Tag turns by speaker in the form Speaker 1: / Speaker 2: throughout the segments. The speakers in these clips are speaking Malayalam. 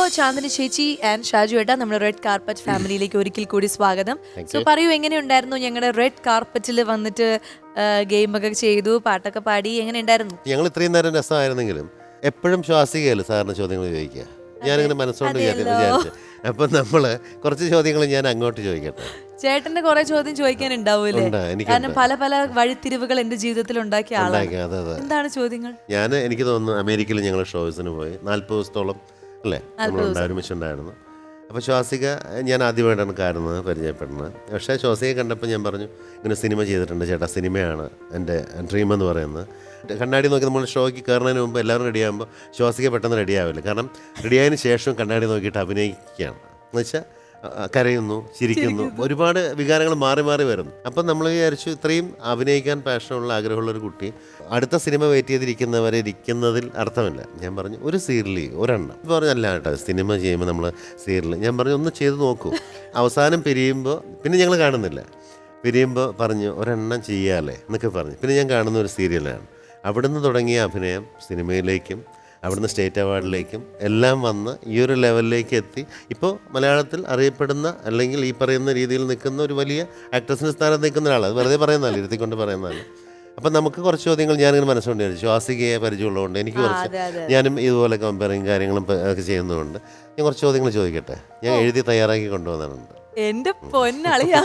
Speaker 1: ചാന്ദിനി ചേച്ചി ആൻഡ് ഷാജു ഏട്ടാ നമ്മുടെ റെഡ് കാർപ്പറ്റ് ഫാമിലിയിലേക്ക് ഒരിക്കൽ കൂടി സ്വാഗതം. സോ പറയൂ, എങ്ങനെയുണ്ടായിരുന്നു ഞങ്ങളുടെ റെഡ് കാർപ്പറ്റിൽ വന്നിട്ട് ഗെയിമൊക്കെ ചെയ്തു, പാട്ടൊക്കെ പാടി, എങ്ങനെ ഉണ്ടായിരുന്നു?
Speaker 2: ഞങ്ങൾ ഇത്രയും നേരം രസമായിരുന്നെങ്കിലും എപ്പോഴും ശ്വാസികയല്ല സാറിന് ചോദ്യങ്ങൾ ചോദിക്കുക. ഞാനിങ്ങനെ മനസ്സുകൊണ്ട് വിചാരിച്ചു. അപ്പം നമ്മള് കുറച്ച് ചോദ്യങ്ങൾ ഞാൻ അങ്ങോട്ട് ചോദിക്കട്ടെ.
Speaker 1: ചേട്ടന്റെ കുറെ ചോദ്യം ചോദിക്കാനുണ്ടാവൂലേ? കാരണം പല പല വഴിത്തിരിവുകൾ എന്റെ ജീവിതത്തിൽ ഉണ്ടാക്കിയ ആളാണ്. എന്താണ് ചോദ്യങ്ങൾ?
Speaker 2: എനിക്ക് തോന്നുന്നു അമേരിക്കയിൽ ഞങ്ങൾ ഷോസിന് പോയി 40 ദിവസത്തോളം അല്ലേ നമ്മൾ ഒരുമിച്ചുണ്ടായിരുന്നു. അപ്പോൾ ശ്വാസിക ഞാൻ ആദ്യമായിട്ടാണ് കാണുന്നത്, പരിചയപ്പെടുന്നത്. പക്ഷേ ശ്വാസികയെ കണ്ടപ്പോൾ ഞാൻ പറഞ്ഞു, ഇങ്ങനെ സിനിമ ചെയ്തിട്ടുണ്ട് ചേട്ടാ, സിനിമയാണ് എൻ്റെ ഡ്രീം എന്ന് പറയുന്നത്. കണ്ണാടി നോക്കി നമ്മൾ ഷോയ്ക്ക് കയറുന്നതിന് മുമ്പ് എല്ലാവരും റെഡിയാകുമ്പോൾ ശ്വാസിക പെട്ടെന്ന് റെഡിയാവില്ല. കാരണം റെഡിയായതിന് ശേഷം കണ്ണാടി നോക്കിയിട്ട് അഭിനയിക്കുകയാണ് എന്ന് വെച്ചാൽ കരയുന്നു, ചിരിക്കുന്നു, ഒരുപാട് വികാരങ്ങൾ മാറി മാറി വരുന്നു. അപ്പം നമ്മൾ വിചാരിച്ചു ഇത്രയും അഭിനയിക്കാൻ പാഷനുള്ള ആഗ്രഹമുള്ളൊരു കുട്ടി അടുത്ത സിനിമ വെയിറ്റ് ചെയ്തിരിക്കുന്നവരെ ഇരിക്കുന്നതിൽ അർത്ഥമില്ല. ഞാൻ പറഞ്ഞു ഒരു സീരിയൽ ഒരെണ്ണം പറഞ്ഞു, അല്ല കേട്ടോ സിനിമ ചെയ്യുമ്പോൾ നമ്മൾ സീരിയൽ. ഞാൻ പറഞ്ഞു ഒന്ന് ചെയ്ത് നോക്കൂ. അവസാനം പിരിയുമ്പോൾ പിന്നെ ഞങ്ങൾ കാണുന്നില്ല. പിരിയുമ്പോൾ പറഞ്ഞു ഒരെണ്ണം ചെയ്യാല്ലേ എന്നൊക്കെ പറഞ്ഞു. പിന്നെ ഞാൻ കാണുന്ന ഒരു സീരിയലാണ്. അവിടുന്ന് തുടങ്ങിയ അഭിനയം സിനിമയിലേക്കും അവിടുന്ന് സ്റ്റേറ്റ് അവാർഡിലേക്കും എല്ലാം വന്ന് ഈ ഒരു ലെവലിലേക്ക് എത്തി. ഇപ്പോൾ മലയാളത്തിൽ അറിയപ്പെടുന്ന അല്ലെങ്കിൽ ഈ പറയുന്ന രീതിയിൽ നിൽക്കുന്ന ഒരു വലിയ ആക്ട്രസിൻ്റെ സ്ഥാനത്ത് നിൽക്കുന്ന ഒരാൾ. അത് വെറുതെ പറയുന്നതല്ല, ഇരുത്തിക്കൊണ്ട് പറയുന്നതല്ല. അപ്പം നമുക്ക് കുറച്ച് ചോദ്യങ്ങൾ ഞാനിങ്ങനെ മനസ്സുകൊണ്ട് വിചാരിച്ചു. ശ്വാസികയെ പരിചയമുള്ളതുകൊണ്ട് എനിക്ക് കുറച്ച്, ഞാനും ഇതുപോലെ കമ്പയറിങ് കാര്യങ്ങളും ഒക്കെ ചെയ്യുന്നതുകൊണ്ട് ഞാൻ കുറച്ച് ചോദ്യങ്ങൾ ചോദിക്കട്ടെ. ഞാൻ എഴുതി തയ്യാറാക്കി കൊണ്ടുവന്നിട്ടുണ്ട്.
Speaker 1: എന്റെ പൊന്നളിയാ,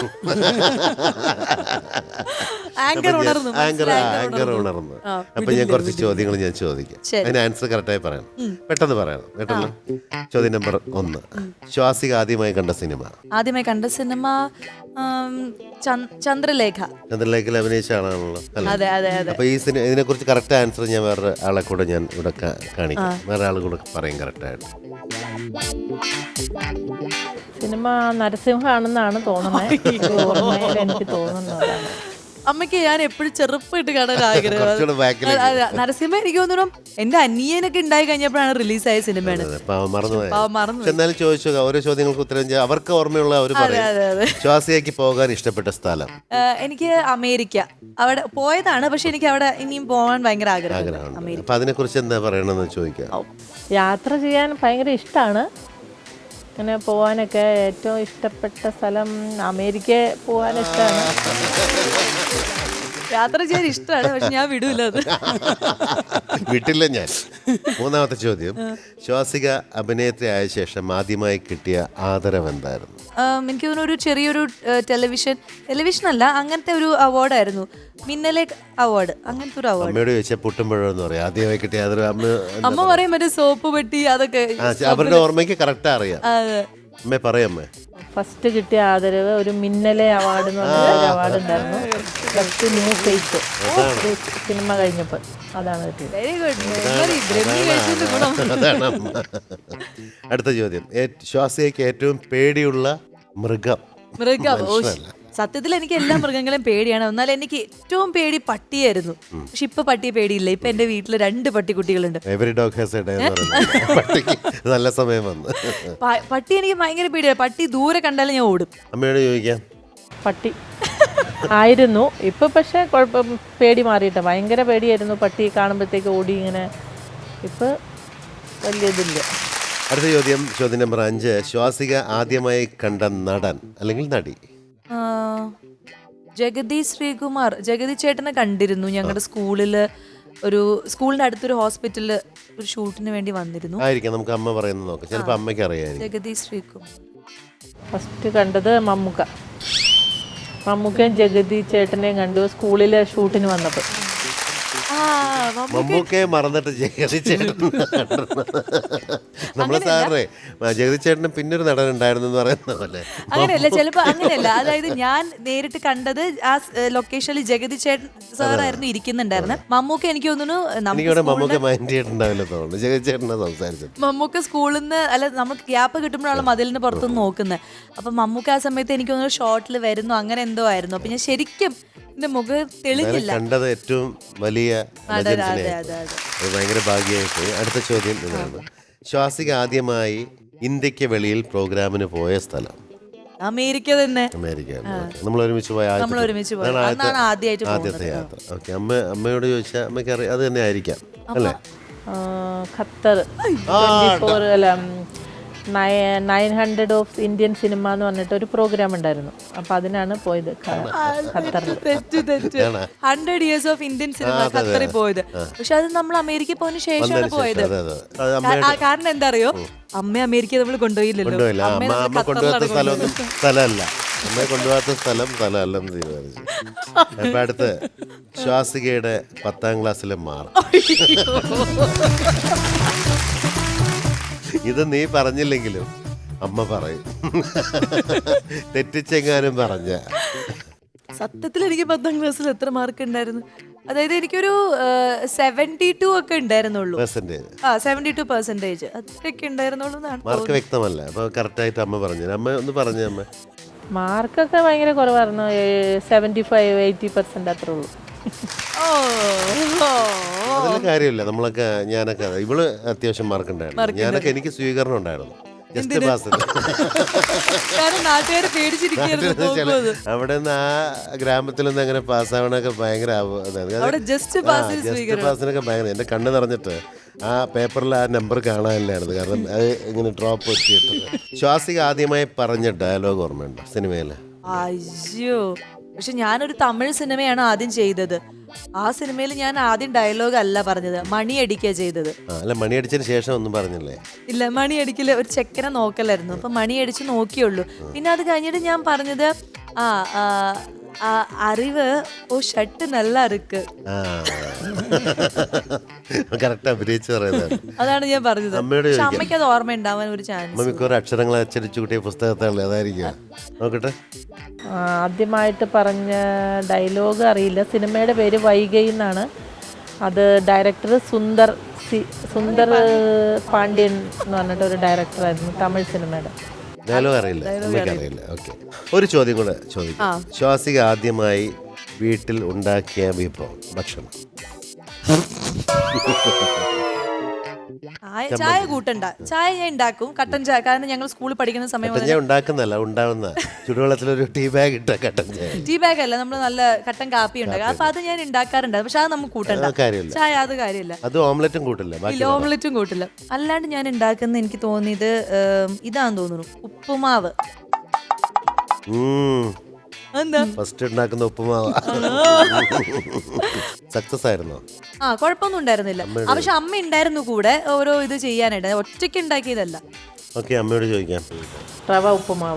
Speaker 2: ആങ്കർ ഉണർന്നു. അപ്പൊ ഞാൻ കുറച്ച് ചോദ്യങ്ങൾ ഞാൻ ചോദിക്കാം. അതിന് ആൻസർ കറക്റ്റായി പറയണം, പെട്ടെന്ന് പറയണം. പെട്ടെന്ന്. ചോദ്യം നമ്പർ 1, ശ്വാസിക ആദ്യമായി കണ്ട സിനിമ?
Speaker 1: ആദ്യമായി കണ്ട സിനിമ ചന്ദ്രലേഖ.
Speaker 2: ചന്ദ്രലേഖയിൽ അഭിനയിച്ച ആളാണല്ലോ.
Speaker 1: അതെ അതെ അതെ.
Speaker 2: അപ്പൊ ഈ ഇതിനെ കുറിച്ച് കറക്റ്റ് ആൻസർ ഞാൻ വേറെ ആളെ കൂടെ ഞാൻ ഇവിടെ കാണിക്കാം. വേറെ ആൾ കൂടെ പറയും കറക്റ്റായിട്ട്.
Speaker 3: സിനിമ നരസിംഹമാണെന്നാണ് തോന്നുന്നത്. എനിക്ക് തോന്നുന്നതാണ്.
Speaker 1: അമ്മയ്ക്ക് ഞാൻ എപ്പോഴും ചെറുപ്പമായിട്ട് കാണാൻ ആഗ്രഹം. നരസിംഹ എനിക്ക് തോന്നുന്നു എന്റെ അനിയനൊക്കെ ഉണ്ടായി കഴിഞ്ഞപ്പോഴാണ് റിലീസായ സിനിമയാണ്.
Speaker 2: എന്നാലും ചോദിച്ചു ഓരോ ചോദ്യങ്ങൾക്ക് ഉത്തരം ചെയ്യാം. അവർക്ക് ഓർമ്മയുള്ള അവർ പറയും. ശ്വാസികയ്ക്ക് പോകാൻ ഇഷ്ടപ്പെട്ട സ്ഥലം?
Speaker 1: എനിക്ക് അമേരിക്ക. അവിടെ പോയതാണ്, പക്ഷെ എനിക്ക് അവിടെ ഇനിയും പോകാൻ ഭയങ്കര ആഗ്രഹമാണ്.
Speaker 2: അപ്പൊ അതിനെ കുറിച്ച് എന്താ പറയണമെന്ന് ചോദിക്കാം.
Speaker 3: യാത്ര ചെയ്യാൻ ഭയങ്കര ഇഷ്ടമാണ്. അങ്ങനെ പോകാനൊക്കെ ഏറ്റവും ഇഷ്ടപ്പെട്ട സ്ഥലം അമേരിക്ക പോകാൻ ഇഷ്ടമാണ്.
Speaker 1: യാത്ര ചെയ്യാൻ ഇഷ്ടമാണ്, പക്ഷെ ഞാൻ വിടൂല. അത്
Speaker 2: വിട്ടില്ല ഞാൻ. 3ാമത്തെ ചോദ്യം, ശ്വാസിക അഭിനേത്രി ആയ ശേഷം ആദ്യമായി കിട്ടിയ ആദരവ് എന്തായിരുന്നു?
Speaker 1: എനിക്ക് തോന്നുന്നു ഒരു ചെറിയൊരു ടെലിവിഷൻ അല്ല, അങ്ങനത്തെ ഒരു അവാർഡായിരുന്നു, മിന്നലെ അവാർഡ്. അങ്ങനത്തെ ഒരു അവാർഡ്.
Speaker 2: അമ്മയോട് ചോദിച്ചാൽ പുട്ടുമ്പോഴെന്ന് പറയും ആദ്യമായി കിട്ടിയ ആദരവ്.
Speaker 1: അമ്മ പറയും മറ്റേ സോപ്പ് പെട്ടി, അതൊക്കെ
Speaker 2: അവരുടെ ഓർമ്മയ്ക്ക് കറക്റ്റ് അറിയാം. അമ്മേ പറയമ്മേ.
Speaker 3: ഫസ്റ്റ് കിട്ടിയ ആദരവ് ഒരു മിന്നലെ അവാർഡ് എന്ന് പറഞ്ഞ അവാർഡ് ഉണ്ടായിരുന്നു. ഫസ്റ്റ് ന്യൂ ഫേസ് സിനിമ കഴിഞ്ഞപ്പോൾ അതാണ് കിട്ടിയത്.
Speaker 1: Very good.
Speaker 2: അടുത്ത ചോദ്യം, ശ്വാസികയ്ക്ക് ഏറ്റവും പേടിയുള്ള മൃഗം?
Speaker 1: സത്യത്തിൽ എനിക്ക് എല്ലാ മൃഗങ്ങളെയും പേടിയാണ്. എന്നാൽ എനിക്ക് ഏറ്റവും പേടി പട്ടിയായിരുന്നു. പക്ഷെ ഇപ്പൊ പട്ടിയെ പേടിയില്ല. ഇപ്പൊ എന്റെ വീട്ടില് 2 പട്ടിക്കുട്ടികളുണ്ട്.
Speaker 2: നല്ല സമയം വന്നു.
Speaker 1: പട്ടി എനിക്ക് ഭയങ്കര പേടിയാണ്. പട്ടി ദൂരെ കണ്ടാലും ഞാൻ ഓടും.
Speaker 2: അമ്മയോട് ചോദിക്കാം.
Speaker 3: പട്ടി ആയിരുന്നു. ഇപ്പൊ പക്ഷെ കുഴപ്പം, പേടി മാറിയിട്ട്. ഭയങ്കര പേടിയായിരുന്നു പട്ടി കാണുമ്പോഴത്തേക്ക് ഓടി ഇങ്ങനെ. ഇപ്പൊ വലിയ ഇതില്ല.
Speaker 2: അടുത്ത ചോദ്യം, ചോദ്യം നമ്പർ 5, ശ്വാസിക ആദ്യമായി കണ്ട നടൻ അല്ലെങ്കിൽ നടി?
Speaker 1: ജഗതി ശ്രീകുമാർ. ജഗതി ചേട്ടനെ കണ്ടിരുന്നു. ഞങ്ങളുടെ സ്കൂളിന്റെ അടുത്തൊരു ഹോസ്പിറ്റലില് ഒരു ഷൂട്ടിന് വേണ്ടി വന്നിരുന്നു.
Speaker 2: ആയിരിക്കാം, നമുക്ക് അമ്മ പറയുന്നത് നോക്കാം. ചിലപ്പോൾ അമ്മയ്ക്ക് അറിയാം.
Speaker 1: ജഗതി ശ്രീകുമാർ.
Speaker 3: ഫസ്റ്റ് കണ്ടത് മമ്മൂക്കയും ജഗതി ചേട്ടനെയും കണ്ടു സ്കൂളിലെ ഷൂട്ടിന് വന്നപ്പോൾ.
Speaker 2: മമ്മൂക്കയെ മറന്നിട്ട് ജഗതി ചേട്ടൻ. നമ്മളെ സാറേ ജഗതി ചേട്ടന് പിന്നൊരു നടൻ ഉണ്ടായിരുന്നു എന്ന് പറയുന്ന പോലെ.
Speaker 1: അങ്ങനെയല്ല, ചിലപ്പോ അങ്ങനെയല്ല. അതായത് ഞാൻ നേരിട്ട് കണ്ടത് ആ ലൊക്കേഷനിൽ ജഗതി ചേട്ടൻ സാറായിരുന്നു ഇരിക്കുന്നുണ്ടായിരുന്നു. മമ്മൂക്ക എനിക്ക് തോന്നുന്നു
Speaker 2: മമ്മൂക്ക മൈൻഡ് ചെയ്തിട്ടുണ്ടാവില്ല തോന്നുന്നു. ജഗതി ചേട്ടനെ സംസാരിച്ചു.
Speaker 1: മമ്മൂക്ക സ്കൂളിൽ നിന്ന് അല്ല, നമുക്ക് ഗ്യാപ്പ് കിട്ടുമ്പോഴാണ് മതിലിന് പുറത്തുനിന്ന് നോക്കുന്നത്. അപ്പൊ മമ്മൂക്ക ആ സമയത്ത് എനിക്ക് തോന്നുന്നു ഷോട്ടിൽ വരുന്നു, അങ്ങനെ എന്തോ ആയിരുന്നു. അപ്പൊ ഞാൻ ശരിക്കും എന്റെ മുഖം തെളിഞ്ഞില്ല.
Speaker 2: കണ്ടത് ഏറ്റവും വലിയ ഭയങ്കര ഭാഗ്യമായി പോയി. അടുത്ത ചോദ്യം ഇതാണ്, ശ്വാസിക ആദ്യമായി ഇന്ത്യക്ക് വെളിയിൽ പ്രോഗ്രാമിന് പോയ സ്ഥലം?
Speaker 1: അമേരിക്ക തന്നെ.
Speaker 2: അമേരിക്ക. നമ്മൾ ഒരുമിച്ച് പോയ ആദ്യത്തെ യാത്ര. ഓക്കെ. അമ്മയോട് ചോദിച്ചാൽ അമ്മയ്ക്ക് അറിയാം, അത് തന്നെ ആയിരിക്കാം അല്ലേ?
Speaker 3: ഖത്തർ 900 ഓഫ് ഇന്ത്യൻ സിനിമ എന്ന് പറഞ്ഞിട്ട് ഒരു പ്രോഗ്രാം ഉണ്ടായിരുന്നു. അപ്പോൾ അതിനാണ് പോയത് ഖത്തറിൽ.
Speaker 1: തെറ്റ് 100 years ഓഫ് ഇന്ത്യൻ സിനിമ ഖത്തറിൽ പോയത്. പക്ഷെ അത് നമ്മൾ അമേരിക്കയിൽ പോയതിനു ശേഷമാണ് പോയത്. കാരണം എന്താ അറിയോ, അമ്മ അമേരിക്ക നമ്മൾ കൊണ്ടുപോയില്ലല്ലോ.
Speaker 2: അമ്മ കൊണ്ടുപോകാത്ത സ്ഥലമല്ല, അമ്മയെ കൊണ്ടുപോകാത്ത സ്ഥലമല്ലെന്ന് തീരുമാനിച്ചു. അപ്പൊ അടുത്ത് ശ്വാസികയുടെ 10ാം ക്ലാസ്സിലെ മാർക്ക്. ഇത് നീ പറഞ്ഞില്ലെങ്കിലും അമ്മ പറയും, തെറ്റിച്ചെങ്ങാനും പറഞ്ഞ.
Speaker 1: സത്യത്തിൽ എനിക്ക് 10ാം ക്ലാസ്സിൽ എത്ര മാർക്ക് ഉണ്ടായിരുന്നു? അതായത് എനിക്കൊരു 72 ഒക്കെ ഉണ്ടായിരുന്നുള്ളൂ. 72% അത്രയൊക്കെ ഉണ്ടായിരുന്നുള്ളൂ.
Speaker 2: മാർക്ക് വ്യക്തമല്ല, അപ്പൊ കറക്റ്റായിട്ട് അമ്മ പറഞ്ഞു. അമ്മ ഒന്ന് പറഞ്ഞു. അമ്മ
Speaker 3: മാർക്കൊക്കെ ഭയങ്കര കുറവായിരുന്നു, 75-80% അത്രേ ഉള്ളൂ.
Speaker 2: അതിൽ കാര്യമില്ല. നമ്മളൊക്കെ ഞാനൊക്കെ ഇവള് അത്യാവശ്യം മാർക്ക് ഉണ്ടായിരുന്നു. ഞാനൊക്കെ എനിക്ക് സ്വീകരണം ഉണ്ടായിരുന്നു. Just pass. അവിടെ നിന്ന് ആ ഗ്രാമത്തിൽ നിന്ന് അങ്ങനെ പാസ്സാവണൊക്കെ ഭയങ്കര ജസ്റ്റ് പാസിനൊക്കെ ഭയങ്കര. എന്റെ കണ്ണ് നിറഞ്ഞിട്ട് ആ പേപ്പറിൽ ആ നമ്പർ കാണാനില്ലായിരുന്നു. കാരണം അത് ഇങ്ങനെ ഡ്രോപ്പ് വെച്ചിട്ട്. ശ്വാസിക ആദ്യമായി പറഞ്ഞ ഡയലോഗ് ഓർമ്മയുണ്ടോ സിനിമയില്?
Speaker 1: അയ്യോ, പക്ഷെ ഞാനൊരു തമിഴ് സിനിമയാണ് ആദ്യം ചെയ്തത്. ആ സിനിമയിൽ ഞാൻ ആദ്യം ഡയലോഗ് അല്ല പറഞ്ഞത്, മണിയടിക്കുക ചെയ്തത്.
Speaker 2: അല്ല, മണിയടിച്ചതിന് ശേഷം ഒന്നും പറഞ്ഞില്ലേ?
Speaker 1: ഇല്ല, മണിയടിക്കല് ഒരു ചെക്കനെ നോക്കലായിരുന്നു. അപ്പൊ മണിയടിച്ച് നോക്കിയുള്ളൂ. പിന്നെ അത് കഴിഞ്ഞിട്ട് ഞാൻ പറഞ്ഞത് അറിവ് ഓ ഷർട്ട് നല്ല അറുക്ക്.
Speaker 2: കറക്റ്റ് അഭിനയിച്ച് പറയുന്നത്.
Speaker 1: അതാണ് ഞാൻ പറഞ്ഞത്. പക്ഷെ അമ്മയ്ക്ക് അത് ഓർമ്മ ഉണ്ടാവാൻ ഒരു ചാൻസ്.
Speaker 2: മിക്കവാറും അക്ഷരങ്ങൾ അച്ചടിച്ചു കൂട്ടിയ പുസ്തകത്താണല്ലേ, അതായിരിക്കും. നോക്കട്ടെ.
Speaker 3: ആദ്യമായിട്ട് പറഞ്ഞ ഡയലോഗ് അറിയില്ല. സിനിമയുടെ പേര് വൈഗൈ എന്നാണ്. അത് ഡയറക്ടർ സുന്ദർ പാണ്ഡ്യൻ എന്ന് പറഞ്ഞിട്ട് ഒരു ഡയറക്ടറായിരുന്നു, തമിഴ് സിനിമയുടെ.
Speaker 2: ഡയലോഗ് അറിയില്ല, അറിയില്ല. ഓക്കെ, ഒരു ചോദ്യം കൂടെ ചോദിക്കാം. ശ്വാസിക ആദ്യമായി വീട്ടിൽ ഉണ്ടാക്കിയ വിഭവം, ഭക്ഷണം.
Speaker 1: ചായ കൂട്ടണ്ട. ചായ ഞാൻ ഉണ്ടാക്കും, കട്ടൻ ചായ. കാരണം ഞങ്ങൾ സ്കൂളിൽ പഠിക്കുന്ന സമയം
Speaker 2: ഉണ്ടാക്കുന്നല്ല, ഉണ്ടാവുന്ന ചുടുവെള്ളത്തിലൊരു ടീ ബാഗ് ഇട്ട കട്ടൻ ചായ.
Speaker 1: ടീ ബാഗ് അല്ല, നമ്മൾ നല്ല കട്ടൻ കാപ്പി ഉണ്ടാക്കും. അപ്പൊ അത് ഞാൻ ഉണ്ടാക്കാറുണ്ട്. പക്ഷെ അത് നമുക്ക് കൂട്ടണ്ട ചായ, അത് കാര്യമില്ല.
Speaker 2: അത് ഓംലെറ്റും കൂട്ടില്ല,
Speaker 1: ഓംലെറ്റും കൂട്ടില്ല. അല്ലാണ്ട് ഞാൻ ഉണ്ടാക്കുന്ന എനിക്ക് തോന്നിയത് ഇതാന്ന് തോന്നുന്നു, ഉപ്പുമാവ്.
Speaker 2: ഫസ്റ്റ് ഉണ്ടാക്കുന്ന ഉപ്പുമാവ് സക്സസ് ആയിരുന്നോ?
Speaker 1: കുഴപ്പമൊന്നും ഉണ്ടായിരുന്നില്ല. പക്ഷെ അമ്മ ഉണ്ടായിരുന്നു കൂടെ ഓരോ ഇത് ചെയ്യാനായിട്ട്, ഒറ്റയ്ക്ക് ഉണ്ടാക്കിയതല്ല.
Speaker 2: ഓക്കെ, അമ്മയോട് ചോദിക്കാം.
Speaker 3: റവ ഉപ്പുമാവ്.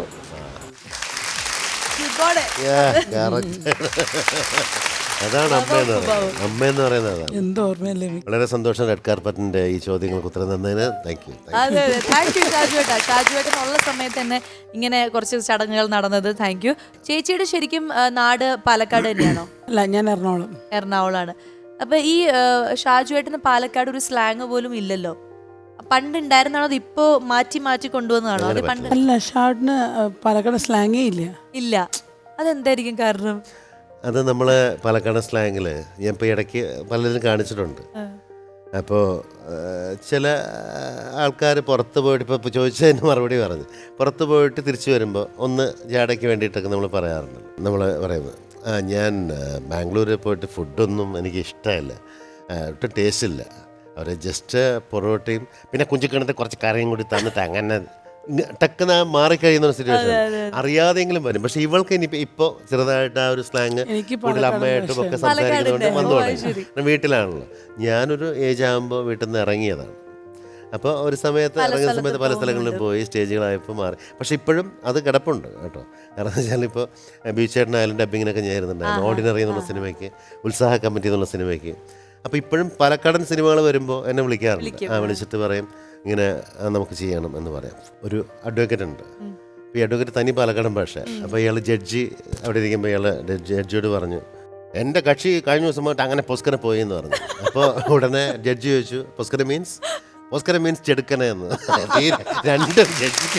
Speaker 2: അതാണ് അമ്മയെന്ന് പറയുന്നത്. വളരെ സന്തോഷം റെഡ് കാർപ്പറ്റിന്റെ ഈ ചോദ്യങ്ങൾക്ക് ഉത്തരം തന്നതിന്. Thank you.
Speaker 1: ഷാജുവേട്ടനുള്ള സമയത്ത് തന്നെ ഇങ്ങനെ കുറച്ച് ചടങ്ങുകൾ നടന്നത്. Thank you. ചേച്ചിയുടെ ശരിക്കും നാട് പാലക്കാട് തന്നെയാണോ?
Speaker 4: അല്ല, ഞാൻ
Speaker 1: എറണാകുളമാണ്. അപ്പൊ ഈ ഷാജുവേട്ടന് പാലക്കാട് ഒരു സ്ലാങ് പോലും ഇല്ലല്ലോ. പണ്ട് ഉണ്ടായിരുന്നാണോ, അത് ഇപ്പോ മാറ്റി മാറ്റി കൊണ്ടുവന്നതാണോ? അത് പണ്ട്
Speaker 4: അല്ല, ഷാർട്ടിന് പാലക്കാട് സ്ലാങ്ങേ ഇല്ല.
Speaker 1: അതെന്തായിരിക്കും കാരണം?
Speaker 2: അത് നമ്മൾ പാലക്കാട് സ്ലാങ്ങിൽ ഞാൻ ഇപ്പോൾ ഇടയ്ക്ക് പലരും കാണിച്ചിട്ടുണ്ട്. അപ്പോൾ ചില ആൾക്കാർ പുറത്ത് പോയിട്ട് ഇപ്പോൾ ചോദിച്ചതിന് മറുപടി പറഞ്ഞു, പുറത്ത് പോയിട്ട് തിരിച്ചു വരുമ്പോൾ ഒന്ന് ജാടയ്ക്ക് വേണ്ടിയിട്ടൊക്കെ നമ്മൾ പറയാറുണ്ട്. നമ്മൾ പറയുന്നത് ഞാൻ ബാംഗ്ലൂരിൽ പോയിട്ട് ഫുഡൊന്നും എനിക്ക് ഇഷ്ടമല്ല, ഒട്ടും ടേസ്റ്റ് ഇല്ല. അവർ ജസ്റ്റ് പൊറോട്ടയും പിന്നെ കുഞ്ചിക്കണത്തെ കുറച്ച് കറിയും കൂടി തന്നിട്ട് അങ്ങനെ ടക്കുന്ന മാറിക്കഴിയുന്ന സിറ്റുവേഷൻ അറിയാതെങ്കിലും വരും. പക്ഷെ ഇവൾക്ക് ഇനി ഇപ്പോൾ ചെറുതായിട്ട് ആ ഒരു സ്ലാങ് കൂടുതൽ അമ്മയായിട്ടും ഒക്കെ സംസാരിക്കുന്നതുകൊണ്ട് വന്നു തുടങ്ങി. വീട്ടിലാണല്ലോ. ഞാനൊരു ഏജ് ആകുമ്പോൾ വീട്ടിൽ നിന്ന് ഇറങ്ങിയതാണ്. അപ്പോൾ ഒരു സമയത്ത് ഇറങ്ങിയ സമയത്ത് പല സ്ഥലങ്ങളിലും പോയി സ്റ്റേജുകളായപ്പോൾ മാറി. പക്ഷെ ഇപ്പോഴും അത് കിടപ്പുണ്ട് കേട്ടോ. കാരണം എന്ന് വെച്ചാൽ ഇപ്പോൾ ബീച്ചേട്ടനായാലും ഡബ്ബിങ്ങിനൊക്കെ ഞാൻ ഇരുന്നുണ്ടായിരുന്നു. ഓർഡിനറി എന്നുള്ള സിനിമയ്ക്ക്, ഉത്സാഹ കമ്മിറ്റി എന്നുള്ള സിനിമയ്ക്ക്. അപ്പോൾ ഇപ്പോഴും പാലക്കാടൻ സിനിമകൾ വരുമ്പോൾ എന്നെ വിളിക്കാറുണ്ട്. വിളിച്ചിട്ട് പറയും ഇങ്ങനെ നമുക്ക് ചെയ്യണം എന്ന് പറയാം. ഒരു അഡ്വക്കേറ്റ് ഉണ്ട്. അപ്പോൾ ഈ അഡ്വക്കേറ്റ് തനി പാലക്കാടൻ ഭാഷ. അപ്പോൾ ഇയാൾ ജഡ്ജി അവിടെ ഇരിക്കുമ്പോൾ ഇയാൾ ജഡ്ജിയോട് പറഞ്ഞു, എൻ്റെ കക്ഷി കഴിഞ്ഞ ദിവസം പോയിട്ട് അങ്ങനെ പൊസ്കര പോയി എന്ന് പറഞ്ഞു. അപ്പോൾ ഉടനെ ജഡ്ജി ചോദിച്ചു, പൊസ്കര മീൻസ് ചെടുക്കന എന്ന്. രണ്ടും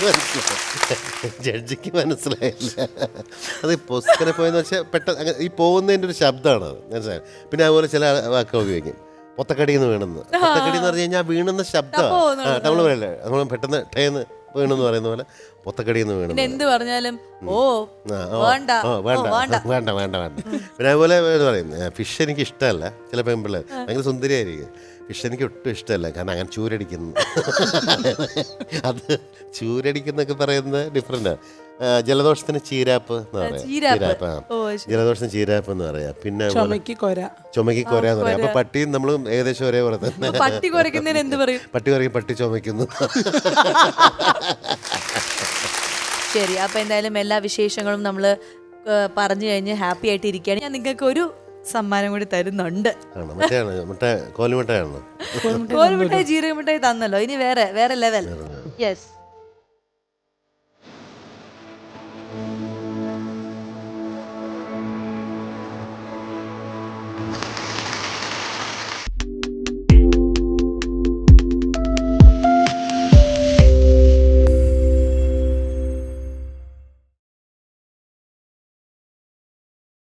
Speaker 2: ജഡ്ജിക്ക് മനസ്സിലായില്ല. അത് പൊസ്കര പോയെന്ന് വെച്ചാൽ പെട്ടെന്ന് ഈ പോകുന്നതിൻ്റെ ഒരു ശബ്ദമാണ് അത്, മനസ്സിലായി. പിന്നെ അതുപോലെ ചില വാക്കുകൾ ഉപയോഗിക്കും, പൊത്തക്കടിന്ന് വീണെന്ന്. പൊത്തക്കടി എന്ന് പറഞ്ഞു കഴിഞ്ഞാൽ വീണെന്ന ശബ്ദമാണ്. നമ്മൾ പറയല്ലേ, നമ്മൾ പെട്ടെന്ന് ടേന്ന് വീണെന്ന് പറയുന്ന പോലെ പൊത്തക്കടിന്ന് വീണെന്ന്.
Speaker 1: എന്ത് പറഞ്ഞാലും
Speaker 2: വേണ്ട. പിന്നെ അതുപോലെ പറയും ഫിഷ് എനിക്ക് ഇഷ്ടമല്ല. ചില പെൺപിള്ളേർ ഭയങ്കര സുന്ദരിയായിരിക്കും, ഫിഷ് എനിക്ക് ഒട്ടും ഇഷ്ടമല്ല, കാരണം അങ്ങനെ ചൂരടിക്കുന്നു. അത് ചൂരടിക്കുന്നൊക്കെ പറയുന്നത് ഡിഫറെൻ്റാണ്. ജലദോഷത്തിന് ചീരാപ്പ് എന്ന് പറയാം. ചീരാപ്പ്,
Speaker 1: ഓ,
Speaker 2: ജലദോഷത്തിന് ചീരാപ്പ് എന്ന് പറയാം. പിന്നെ
Speaker 4: ചുമക്ക് കൊര.
Speaker 2: ചുമക്കി കൊരയെന്ന് പറയാം. അപ്പൊ പട്ടിയും നമ്മളും ഏകദേശം ഒരേപോലെ തന്നെ.
Speaker 1: പട്ടി കുറയ്ക്കുന്നതിന് എന്ത് പറയും?
Speaker 2: പട്ടി പറയും പട്ടി ചുമക്കുന്നു.
Speaker 1: ശരി, അപ്പൊ എന്തായാലും എല്ലാ വിശേഷങ്ങളും നമ്മൾ പറഞ്ഞു കഴിഞ്ഞ് ഹാപ്പി ആയിട്ട് ഇരിക്കുകയാണ്. ഞാൻ നിങ്ങൾക്ക് ഒരു സമ്മാനം കൂടി തരുന്നുണ്ട്.
Speaker 2: ആണ് മറ്റേ കോലുമിട്ടാണോ?
Speaker 1: കോൽമിഠായി ജീരകമിഠായി തന്നല്ലോ, ഇനി വേറെ ലെവൽ. യെസ്,